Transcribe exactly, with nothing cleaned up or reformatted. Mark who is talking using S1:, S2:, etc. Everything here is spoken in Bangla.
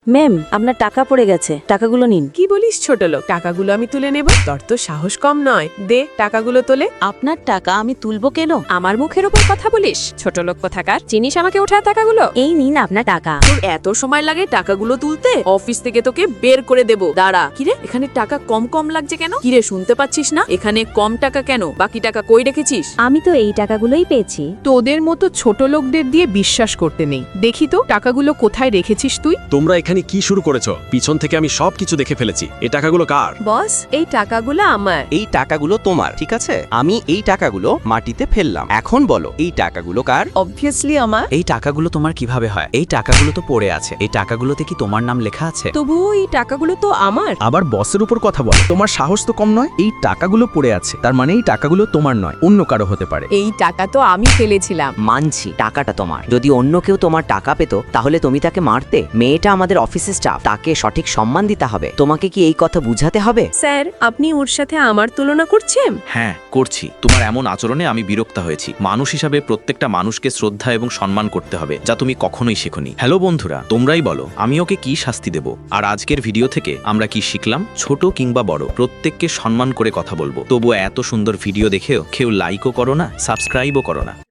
S1: ম্যাম, আপনার টাকা পড়ে গেছে, টাকাগুলো নিন।
S2: কি বলিস ছোট লোক? টাকাগুলো আমি তুলে নেব? তোর তো সাহস কম নয়। দে টাকাগুলো তোলে।
S1: আপনার টাকা আমি তুলবো কেন?
S2: আমার মুখের উপর কথা বলিস? ছোট লোক কোথাকার, চিনিস আমাকে ওঠায় টাকাগুলো?
S1: এই নিন আপনার টাকা।
S2: তোর এত সময় লাগে টাকাগুলো তুলতে? অফিস থেকে তোকে বের করে দেব। দাঁড়া। কিরে, এখানে টাকা কম কম লাগছে কেন? কিরে, শুনতে পাচ্ছিস না? এখানে কম টাকা কেন? বাকি টাকা কই রেখেছিস?
S1: আমি তো এই টাকাগুলোই পেয়েছি।
S2: তোদের মতো ছোট লোকদের দিয়ে বিশ্বাস করতে নেই। দেখি তো টাকাগুলো কোথায় রেখেছিস তুই?
S3: তোমরা এখানে কি শুরু করেছো? পিছন থেকে আমি সবকিছু দেখে ফেলেছি। এই টাকাগুলো কার?
S2: বস, এই টাকাগুলো আমার।
S4: এই টাকাগুলো তোমার, ঠিক আছে? আমি এই টাকাগুলো মাটিতে ফেললাম। এখন বলো, এই টাকাগুলো কার?
S2: অবভিয়াসলি আমার।
S5: এই টাকাগুলো তোমার কিভাবে হয়? এই টাকাগুলো তো পড়ে আছে। এই টাকাগুলোতে কি তোমার নাম লেখা আছে?
S2: তবুও এই টাকাগুলো তো আমার।
S6: আবার বসের উপর কথা বলো। তোমার সাহস তো কম নয়। এই টাকাগুলো পড়ে আছে, তার মানে এই টাকাগুলো তোমার নয়, অন্য কারো হতে পারে।
S2: এই টাকা তো আমি ফেলেছিলাম।
S7: মানছি টাকাটা তোমার। যদি অন্য কেউ তোমার টাকা পেত তাহলে তুমি তাকে মারতে? মেয়েটা আমাদের অফিসের স্টাফ, তাকে সঠিক সম্মান দিতে হবে। তোমাকে কি এই কথা বুঝাতে হবে?
S2: স্যার, আপনি ওর সাথে আমার তুলনা করছেন?
S8: হ্যাঁ, করছি। তোমার এমন আচরণে আমি বিরক্ত হয়েছি। মানুষ হিসাবে প্রত্যেকটা মানুষকে শ্রদ্ধা এবং সম্মান করতে হবে, যা তুমি কখনোই শেখোনি। হ্যালো বন্ধুরা, তোমরাই বলো আমি ওকে কি শাস্তি দেব? আর আজকের ভিডিও থেকে আমরা কি শিখলাম? ছোট কিংবা বড়, প্রত্যেককে সম্মান করে কথা বলবো। তবুও এত সুন্দর ভিডিও দেখেও কেউ লাইকও করো না, সাবস্ক্রাইবও করো না।